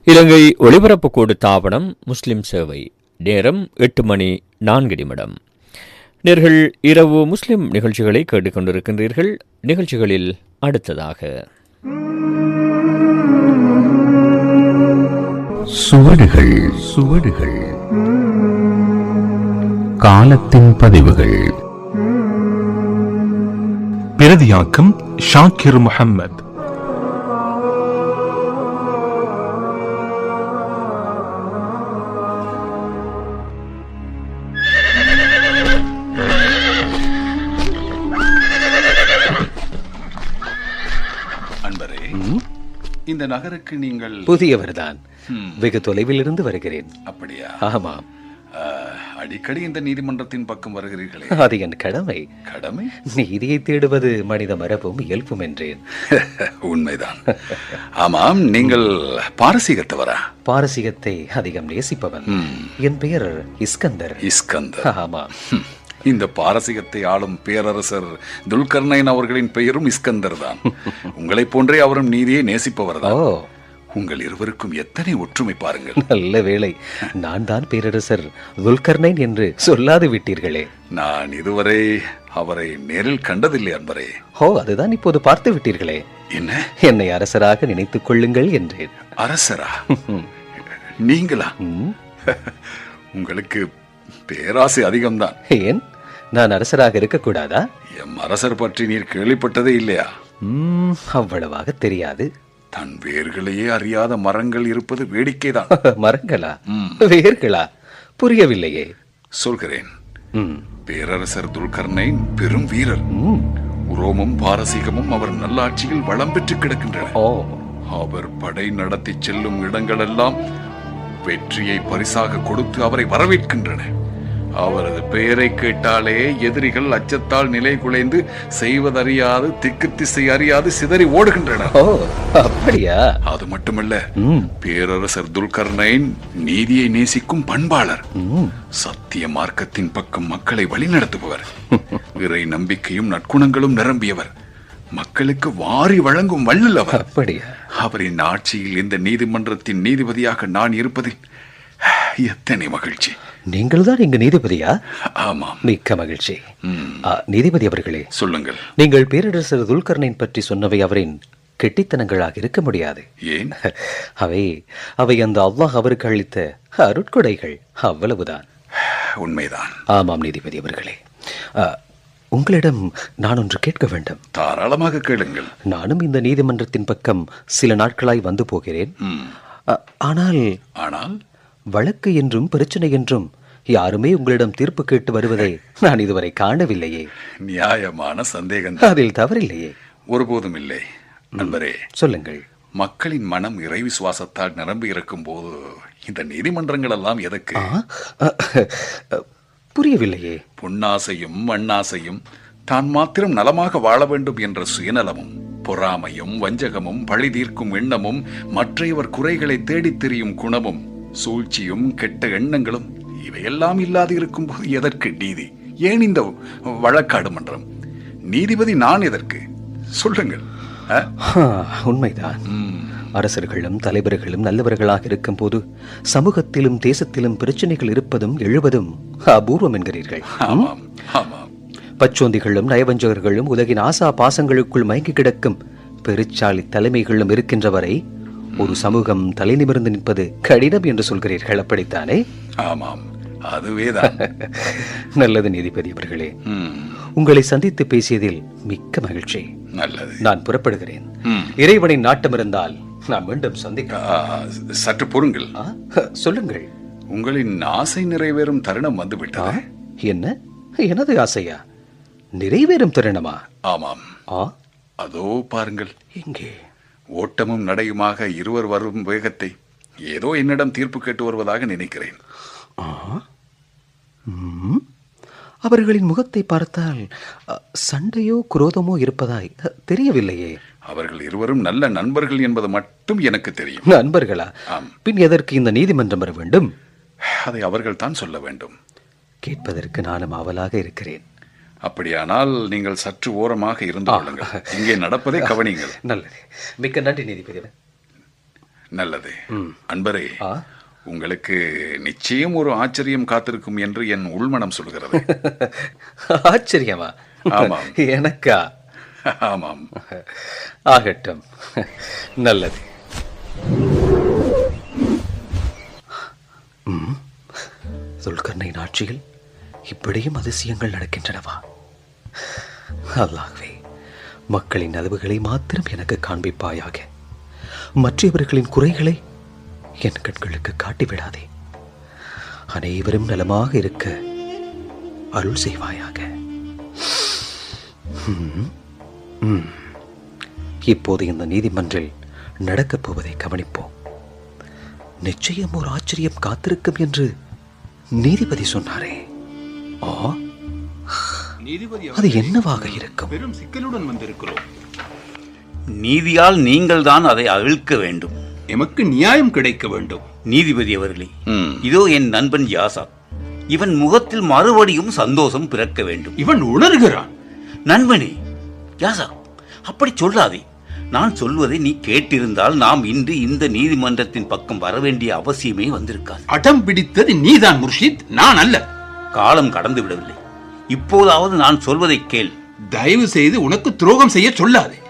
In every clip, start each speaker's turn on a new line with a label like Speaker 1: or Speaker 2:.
Speaker 1: இலங்கை ஒலிபரப்பு கூடு தாபனம் முஸ்லிம் சேவை. நேரம் 8:04. நேர்கள் இரவு முஸ்லிம் நிகழ்ச்சிகளை கேட்டுக்கொண்டிருக்கின்றீர்கள். நிகழ்ச்சிகளில் அடுத்ததாக
Speaker 2: சுவடுகள் சுவடுகள், காலத்தின் பதிவுகள்.
Speaker 3: பிரதியாக்கம் ஷாக்கிர் முஹம்மத்.
Speaker 4: அன்பரே, இந்த நகருக்கு நீங்கள்
Speaker 5: புதியவர்தான். வெகு தொலைவில் இருந்து வருகிறேன்.
Speaker 4: அப்படியா?
Speaker 5: ஆமாம்.
Speaker 4: அடிக்கடி இந்த நீதிமன்றத்தின் பக்கம் வருகிறீர்களே,
Speaker 5: அது என் கடமை.
Speaker 4: கடமை?
Speaker 5: நீதியை தேடுவது மனித மரபும் இயல்பும் என்றேன்.
Speaker 4: உண்மைதான். ஆமாம், நீங்கள் பாரசீகத்தவரா?
Speaker 5: பாரசீகத்தை அதிகம் நேசிப்பவன். என் பெயர் இஸ்கந்தர்.
Speaker 4: இஸ்கந்தர்.
Speaker 5: ஆமாம்.
Speaker 4: இந்த பாரசீகத்தை ஆளும் பேரரசர் துல்கர்னைன் அவர்களின் பெயரும் இஸ்கந்தர் தான். உங்களை போன்றே அவரும் நீதியை நேசிப்பவர் தான். உங்கள் இருவருக்கும் எத்தனை ஒற்றுமை பாருங்கள்.
Speaker 5: நல்ல வேளை, நான் தான் பேரரசர் துல்கர்னைன் என்று சொல்லாது விட்டீர்களே.
Speaker 4: நான் இதுவரை அவரை நேரில் கண்டதில்லை அன்பரே.
Speaker 5: அதுதான் இப்போது பார்த்து விட்டீர்களே.
Speaker 4: என்ன?
Speaker 5: என்னை அரசராக நினைத்துக் கொள்ளுங்கள் என்றேன்.
Speaker 4: அரசரா? நீங்களா? உங்களுக்கு பேராசை அதிகம்தான்.
Speaker 5: ஏன், நான் அரசராக இருக்கக்கூடாதா?
Speaker 4: எம் அரசர் பற்றி நீர் கேள்விப்பட்டதே இல்லையா?
Speaker 5: அவ்வளவாக தெரியாது.
Speaker 4: தன் வேர்களையே அறியாத மரங்கள் இருப்பது வேடிக்கைதான்.
Speaker 5: மரங்களா? வேர்களா? புரியவில்லையே.
Speaker 4: சொல்கிறேன். பேரரசர் துல்கர்னைன் பெரும் வீரர். உரோமும் பாரசீகமும் அவர் நல்லாட்சியில் வளம் பெற்று கிடக்கின்றன. அவர் படை நடத்தி செல்லும் இடங்களெல்லாம் வெற்றியை பரிசாக கொடுத்து அவரை வரவேற்கின்றன. அவரது பெயரை கேட்டாலே எதிரிகள் அச்சத்தால் நிலை குலைந்து செய்வதறியாது திக்கு திசை அறியாது சிதறி ஓடுகின்றனர்.
Speaker 5: அப்படியா?
Speaker 4: அது மட்டுமல்ல, பேரரசர் துல்கர்னைன் நீதியை நேசிக்கும் பண்பாளர். சத்திய மார்க்கத்தின் பக்கம் மக்களை வழிநடத்துபவர். இறை நம்பிக்கையும் நற்குணங்களும் நிரம்பியவர். மக்களுக்கு வாரி வழங்கும் வள்ளலவர்.
Speaker 5: அப்படியா?
Speaker 4: அவரின் ஆட்சியில் இந்த நீதிமன்றத்தின் நீதிபதியாக நான் இருப்பதில் எத்தனை மகிழ்ச்சி.
Speaker 5: நீங்கள் தான் இங்கு நீதிபதியா?
Speaker 4: ஆமாம்.
Speaker 5: மிக்க மகிழ்ச்சி. நீதிபதி அவர்களே,
Speaker 4: சொல்லுங்கள்.
Speaker 5: நீங்கள் பேரரசர் துல்கர்னைன் பற்றி சொன்னவை அவரின் கெட்டித்தனங்களாக இருக்க முடியாது.
Speaker 4: ஏன்?
Speaker 5: அவை அந்த அல்லாஹ் அவருக்கு அளித்த அருட்கொடைகள், அவ்வளவுதான்.
Speaker 4: உண்மைதான்.
Speaker 5: ஆமாம் நீதிபதி அவர்களே, உங்களிடம் நான் ஒன்று கேட்க வேண்டும்.
Speaker 4: தாராளமாக கேளுங்கள்.
Speaker 5: நானும் இந்த நீதிமன்றத்தின் பக்கம் சில நாட்களாய் வந்து போகிறேன். ஆனால் வழக்கு என்றும் பிரச்சனை என்றும் யாருமே உங்களிடம் தீர்ப்பு கேட்டு வருவதை நான் இதுவரை காணவில்லையே.
Speaker 4: நியாயமான சந்தேகம்.
Speaker 5: அதில் தவறில்லையே.
Speaker 4: ஒருபோதும் இல்லை. நண்பரே,
Speaker 5: சொல்லுங்கள்.
Speaker 4: மக்களின் மனம் இறை விசுவாசத்தால் நிரம்பி இருக்கும் போது இந்த நீதிமன்றங்கள் எல்லாம் எதற்கு?
Speaker 5: புரியவில்லையே.
Speaker 4: பொன்னாசையும் மண்ணாசையும் தான் மாத்திரம் நலமாக வாழ வேண்டும் என்ற சுயநலமும் பொறாமையும் வஞ்சகமும் பழி தீர்க்கும் எண்ணமும் மற்றையவர் குறைகளை தேடித் திரியும் குணமும் சூழ்ச்சியும் கெட்ட எண்ணங்களும் இவையெல்லாம் இல்லாது இருக்கும் போது எதற்கு நீதி? ஏன் இந்த வழக்காடு மன்றம்? நீதிபதி நான் எதற்கு? சொல்லுங்கள்.
Speaker 5: உண்மைதான். அரசர்களும் தலைவர்களும் நல்லவர்களாக இருக்கும் போது சமூகத்திலும் தேசத்திலும் பிரச்சனைகள் இருப்பதும் எழுவதும் அபூர்வம் என்கிறீர்கள். பச்சோந்திகளும் நயவஞ்சகர்களும் உலகின் ஆசா பாசங்களுக்குள் மயங்கி கிடக்கும் பெருச்சாலி தலைமைகளும் இருக்கின்ற வரை ஒரு சமூகம் தலை நிமிர்ந்து நிற்பது கடினம் என்று சொல்கிறீர்கள், அப்படித்தானே?
Speaker 4: ஆமாம், அதுவேதான்.
Speaker 5: நல்லது நீதிபதி அவர்களே, உங்களை சந்தித்து பேசியதில் மிக்க மகிழ்ச்சி.
Speaker 4: நல்லது.
Speaker 5: நான் புறப்படுகிறேன். இறைவனின் நாட்டம் இருந்தால் நான் மீண்டும் சந்திக்க.
Speaker 4: சற்று பொறுங்கள்.
Speaker 5: சொல்லுங்கள்.
Speaker 4: உங்களின் ஆசை நிறைவேறும் தருணம் வந்துவிட்டது.
Speaker 5: என்ன? எனது ஆசையா? நிறைவேறும் தருணமா?
Speaker 4: ஆமாம். அதோ பாருங்கள்.
Speaker 5: எங்கே?
Speaker 4: ஓட்டமும் நடையுமாக இருவர் வரும் வேகத்தை ஏதோ என்னிடம் தீர்ப்பு கேட்டு வருவதாக நினைக்கிறேன்.
Speaker 5: அவர்களின் முகத்தை பார்த்தால் சண்டையோ குரோதமோ இருப்பதாய் தெரியவில்லையே.
Speaker 4: அவர்கள் இருவரும் நல்ல நண்பர்கள் என்பது மட்டும் எனக்கு தெரியும்.
Speaker 5: நண்பர்களா? பின் எதற்கு இந்த நீதிமன்றம் வர வேண்டும்?
Speaker 4: அதை அவர்கள் தான் சொல்ல வேண்டும்.
Speaker 5: கேட்பதற்கு நானும் ஆவலாக இருக்கிறேன்.
Speaker 4: அப்படியானால் நீங்கள் சற்று ஓரமாக இருந்து கொள்ளுங்கள். இங்கே நடப்பதை கவனியுங்கள்.
Speaker 5: நல்லது. மிக்க நன்றி நீதிபதி.
Speaker 4: நல்லது. அன்பரே, உங்களுக்கு நிச்சயம் ஒரு ஆச்சரியம் காத்திருக்கும் என்று என் உள்மனம் சொல்கிறது.
Speaker 5: ஆச்சரியமா?
Speaker 4: ஆமாம்.
Speaker 5: எனக்கா?
Speaker 4: ஆமாம்.
Speaker 5: ஆகட்டும், நல்லது. துல்கர்னைன் ஆட்சியில் இப்படியும் அதிசயங்கள் நடக்கின்றனவா? அல்லாஹ்வே, மக்களின் நலவுகளை மாத்திரம் எனக்கு காண்பிப்பாயாக. மற்றவர்களின் குறைகளை என் கண்களுக்கு காட்டிவிடாதே. அனைவரும் நலமாக இருக்க அருள் செய்வாயாக. இப்போது இந்த நீதிமன்றில் நடக்கப் போவதை கவனிப்போம். நிச்சயம் ஒரு ஆச்சரியம் காத்திருக்கும் என்று நீதிபதி சொன்னாரே. அது என்னவாக இருக்கும்?
Speaker 6: பெரும் சிக்கலுடன் வந்திருக்கிறோம்.
Speaker 7: நீதியால் நீங்கள் தான் அதை அவிழ்க்க வேண்டும்.
Speaker 6: எமக்கு நியாயம் கிடைக்க வேண்டும்.
Speaker 7: நீதிபதி அவர்களே, இதோ என் நண்பன் யாசாக். இவன் முகத்தில் மறுபடியும் சந்தோஷம் பிறக்க வேண்டும்.
Speaker 6: இவன் உணர்கிறான்.
Speaker 7: நண்பனே யாசாக், அப்படி சொல்லாதே. நான் சொல்வதை நீ கேட்டிருந்தால் நாம் இன்று இந்த நீதிமன்றத்தின் பக்கம் வர வேண்டிய அவசியமே வந்திருக்காது.
Speaker 6: அடம் பிடித்தது நீதான் முர்ஷித், நான் அல்ல.
Speaker 7: காலம் கடந்து விடவில்லை. இப்போதாவது நான் சொல்வதை கேள்.
Speaker 6: தயவு செய்து உனக்கு துரோகம் செய்ய சொல்லாதே.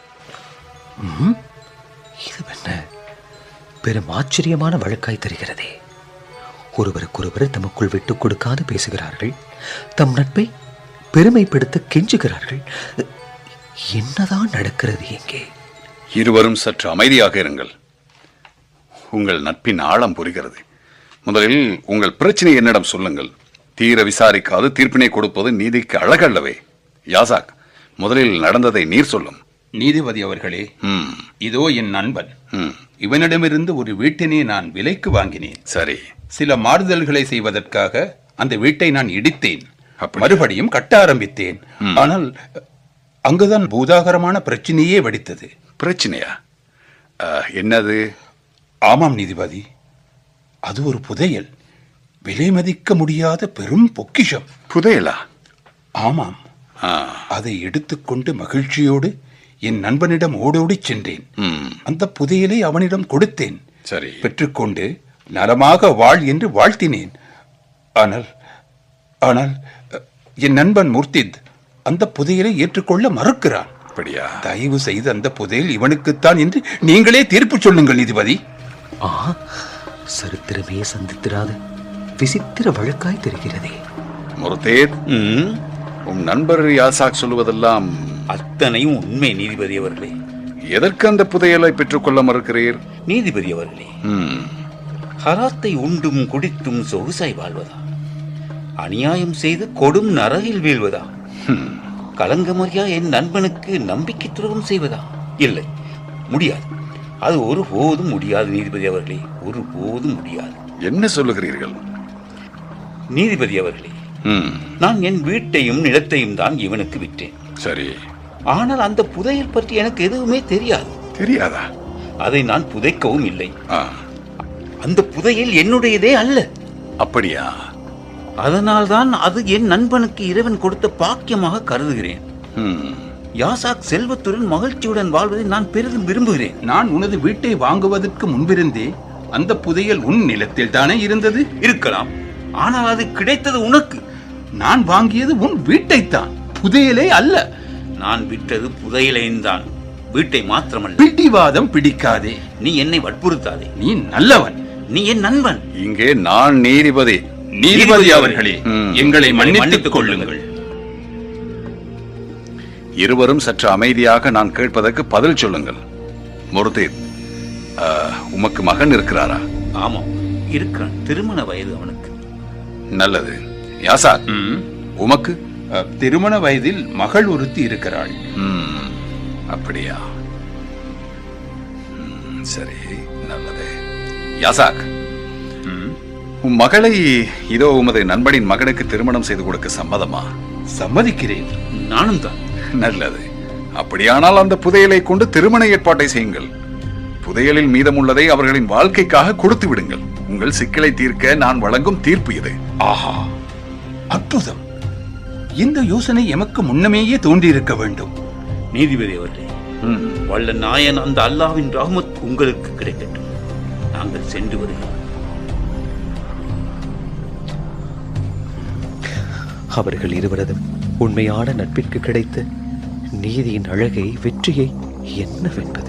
Speaker 5: இது என்ன பெரும் ஆச்சரியமான வழக்காய் தெரிகிறதே. ஒருவருக்கொருவர் தமக்குள் விட்டுக் கொடுக்காது பேசுகிறார்கள். தம் நட்பை பெருமைப்படுத்த கெஞ்சுகிறார்கள். என்னதான் நடக்கிறது எங்கே?
Speaker 4: இருவரும் சற்று அமைதியாக இருங்கள். உங்கள் நட்பின் ஆழம் புரிகிறது. முதலில் உங்கள் பிரச்சனை என்னிடம் சொல்லுங்கள். தீர விசாரிக்காது தீர்ப்பினை கொடுப்பது நீதிக்கு அழகல்லவே. யாசாக், முதலில் நடந்ததை நீர் சொல்லும்.
Speaker 6: நீதிபதி அவர்களே, இதோ என் நண்பன். இவனிடமிருந்து ஒரு வீட்டினை நான் விலைக்கு வாங்கினேன்.
Speaker 4: சரி.
Speaker 6: சில மாறுதல்களை செய்வதற்காக அந்த வீட்டை நான் இடித்தேன். மறுபடியும் கட்ட ஆரம்பித்தேன். ஆனால் அங்குதான் பூதாகரமான பிரச்சனையே வெடித்தது.
Speaker 4: பிரச்சனையா? என்னது?
Speaker 6: ஆமாம் நீதிபதி, அது ஒரு புதையல். விலை மதிக்க முடியாத பெரும் பொக்கிஷம்.
Speaker 4: புதையலா?
Speaker 6: ஆமாம். அதை எடுத்துக்கொண்டு மகிழ்ச்சியோடு என் நண்பனிடம் ஓடோடி சென்றேன். அந்த புதையலை அவனிடம் கொடுத்தேன்.
Speaker 4: சரி.
Speaker 6: பெற்றுக்கொண்டு நலமாக வாழ் என்று வாழ்த்தினேன். ஆனால் ஆனால் என் நண்பன் முர்த்தித் அந்த புதையலை ஏற்றுக்கொள்ள மறுக்கிறான்.
Speaker 4: அப்படியா?
Speaker 6: தயவு செய்து அந்த புதையல் இவனுக்குத்தான் என்று நீங்களே தீர்ப்பு சொல்லுங்கள் நீதிபதி.
Speaker 5: சரித்திரமே சந்தித்திராத விசித்திர வழக்காய் தெரிகிறதே.
Speaker 4: முர்தேத், உன் நண்பர் யாசாக் சொல்லுவதெல்லாம்
Speaker 7: அத்தனையும் உண்மை நீதிபதி அவர்களே.
Speaker 4: எதற்கு அந்த புதையலை பெற்றுக்கொள்ள மறுக்கிறீர்?
Speaker 7: நீதிபதி அவர்களே, ஹராத்தை உண்டும் குடித்தும் சொகுசாய் வாழ்வதா? அநியாயம் செய்து கொடும் நரகில் வீழ்வதா? கலங்கமறியா என் நண்பனுக்கு நம்பிக்கை துரோகம் செய்வதா? இல்லை, முடியாது. அது ஒருபோதும் முடியாது நீதிபதி அவர்களே, ஒருபோதும் முடியாது.
Speaker 4: என்ன சொல்லுகிறீர்கள்?
Speaker 7: நீதிபதி அவர்களே, நான் என் வீட்டையும் நிலத்தையும் தான் இவனுக்கு விற்றேன்.
Speaker 4: சரி.
Speaker 7: ஆனால் அந்த புதையல் பற்றி எனக்கு எதுவுமே தெரியாது.
Speaker 4: தெரியாதா?
Speaker 7: அதை நான் புதைக்கவும் இல்லை. அந்த புதையல் என்னுடையதே அல்ல.
Speaker 4: அப்படியா?
Speaker 7: அதனால்தான் அது என் நண்பனுக்கு இறைவன் கொடுத்த பாக்கியமாக கருதுகிறேன். யாசாக் செல்வத்துடன் மகிழ்ச்சியுடன் வாழ்வதை நான் பெரிதும் விரும்புகிறேன்.
Speaker 6: நான் உனது வீட்டை வாங்குவதற்கு முன்பிருந்தே அந்த புதையல் உன் நிலத்தில் தானே இருந்தது.
Speaker 7: இருக்கலாம், ஆனால் அது கிடைத்தது உனக்கு.
Speaker 6: நான் வாங்கியது உன் வீட்டைத்தான், புதையலே அல்ல.
Speaker 7: நான் விற்றது புதையலையும், வீட்டை மாத்திரமல்ல.
Speaker 6: பிடிவாதம் பிடிக்காதே.
Speaker 7: நீ என்னை வற்புறுத்தாதே.
Speaker 6: நீ நல்லவன்.
Speaker 7: நீ என் நண்பன்.
Speaker 4: இங்கே நான் நீதிபதி.
Speaker 6: நீதிபதி அவர்களே, எங்களை மன்னித்துக் கொள்ளுங்கள்.
Speaker 4: இருவரும் சற்று அமைதியாக நான் கேட்பதற்கு பதில் சொல்லுங்கள். முர்தேத், உமக்கு மகன் இருக்கிறாரா?
Speaker 7: ஆமாம், இருக்கிறான். திருமண வயது அவனுக்கு.
Speaker 4: நல்லது. யாசாக், உமக்கு?
Speaker 6: திருமண வயதில் மகள் ஒருத்தி இருக்கிறாள்.
Speaker 4: அப்படியா? சரி, நல்லது. யாசாக், உன் மகளை இதோ உமது நண்பனின் மகனுக்கு திருமணம் செய்து கொடுக்க சம்மதமா?
Speaker 6: சம்மதிக்கிறேன்.
Speaker 7: நானும் தான்.
Speaker 4: நல்லது. அப்படியானால் அந்த புதையலை கொண்டு திருமண ஏற்பாட்டை செய்யுங்கள். புதையலில் மீதமுள்ளதை அவர்களின் வாழ்க்கைக்காக கொடுத்து விடுங்கள். உங்கள் சிக்கலை தீர்க்க நான் வழங்கும் தீர்ப்பு இது.
Speaker 6: ஆஹா, அற்புதம். இந்த யோசனை எமக்கு முன்னமேயே தோன்றியிருக்க வேண்டும்.
Speaker 7: நீதிபதி அவர்களே, வல்ல நாயன் அந்த அல்லாஹ்வின் ரஹ்மத் உங்களுக்கு கிடைக்கட்டும். நாங்கள் சென்று வருகிறோம்.
Speaker 5: அவர்கள் இருவரதும் உண்மையான நட்பிற்கு கிடைத்த நீதியின் அழகை, வெற்றியை என்னவென்பது.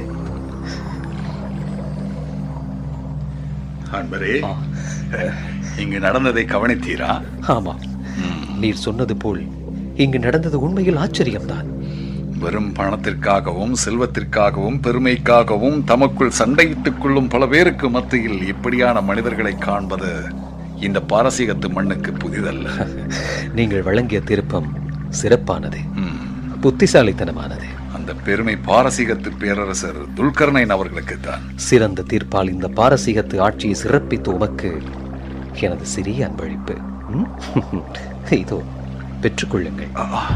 Speaker 4: அன்பரே, இங்கு நடந்ததை கவனித்தீரா?
Speaker 5: ஆமாம், நீர் சொன்னது போல் இங்கு நடந்தது உண்மையில் ஆச்சரியம்தான்.
Speaker 4: வெறும் பணத்திற்காகவும் செல்வத்திற்காகவும் பெருமைக்காகவும் தமக்குள் சண்டையிட்டுக் கொள்ளும் பல பேருக்கு மத்தியில் இப்படியான மனிதர்களை காண்பது இந்த பாரசீகத்து மண்ணுக்கு புதிதல்ல.
Speaker 5: நீங்கள் வழங்கிய திருப்பம் சிறப்பானது, புத்திசாலித்தனமானது.
Speaker 4: அந்த பெருமை பாரசீகத்து பேரரசர் துல்கர்னைன் அவர்களுக்குத்தான்.
Speaker 5: சிறந்த தீர்ப்பால் இந்த பாரசீகத்து ஆட்சியை சிறப்பித்து உமக்கு எனது சிறிய அன்பளிப்பு. இதோ பெற்றுக்கொள்ளுங்கள்.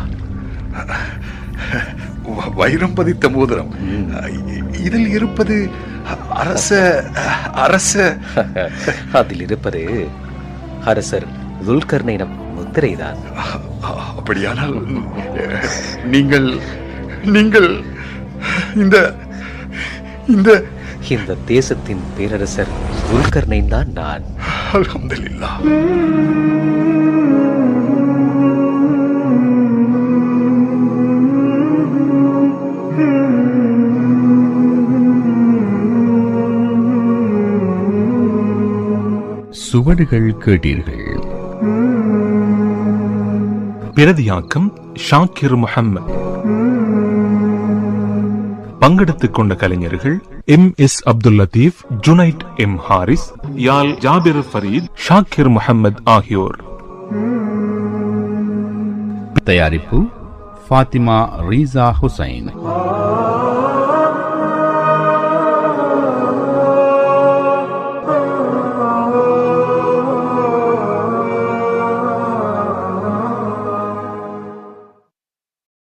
Speaker 4: வைரம் பதித்த மோதிரம். இதில் இருப்பது அரச
Speaker 5: அதில் இருப்பது அரசர் துல்கர்னைன் முத்திரைதான்.
Speaker 4: அப்படியானால் நீங்கள் நீங்கள் இந்த இந்த
Speaker 5: இந்த தேசத்தின் பேரரசர் துல்கர்னைன் தான் நான்.
Speaker 4: அல்ஹம்துலில்லாஹ்.
Speaker 2: சுவடுகள் கேட்டீர்கள்.
Speaker 3: பிரதியாக்கம் ஷாக்கிர் முஹம்மத். பங்கெடுத்துக் கொண்ட கலைஞர்கள் MS அப்துல் லத்தீப், ஜுனைட் M ஹாரிஸ், யால் ஜாபிர் ஃபரீத், ஷாக்கிர் முஹம்மத் ஆகியோர்.
Speaker 2: தயாரிப்பு ஃபாத்திமா ரீசா ஹுசைன்.